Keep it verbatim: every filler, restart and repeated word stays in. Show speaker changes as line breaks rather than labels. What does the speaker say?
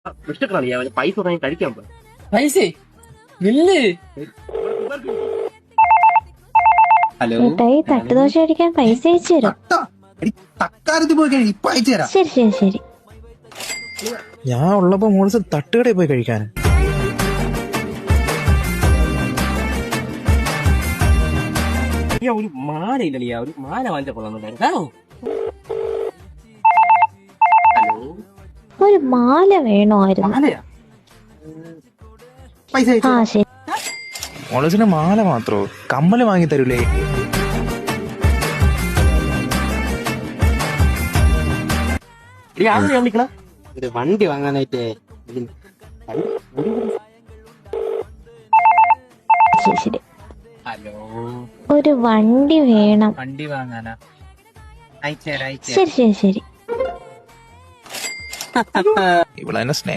വിഷക്കളാണ് പൈസ വാങ്ങി കഴിക്കാൻ പോയി.
പൈസ നില്ല്.
ഹലോ
ഏട്ടായി തട്ടുദോശ അടിക്കാൻ പൈസ അയച്ചു തരും.
തക്കാലത്ത് പോയി കഴിഞ്ഞു ഇപ്പൊ അയച്ചു തരാം.
ശരി ശരി ശരി.
ഞാൻ ഉള്ളപ്പോ മോളിസ് തട്ടുകടയിൽ പോയി കഴിക്കാൻ.
ഒരു മാല ഇല്ലല്ലേ, ഒരു മാല വാങ്ങിച്ച കൊള്ളാം. ഹലോ,
ഒരു മാല വേണമായിരുന്നു.
മാലയാ?
പൈസ
ആ ശരി.
മോളിസിന് മാല മാത്രോ, കമ്മല് വാങ്ങി തരൂലേ?
വിളിക്കണ
ഒരു വണ്ടി വാങ്ങാനായിട്ടേ.
ശരി ശരി.
ഹലോ,
ഒരു വണ്ടി വേണം.
വണ്ടി വാങ്ങാനാ? അയച്ചേരാ അയച്ചേരാ.
ശരി ശരി ശരി.
ഇവളെന്നെ സ്നേഹം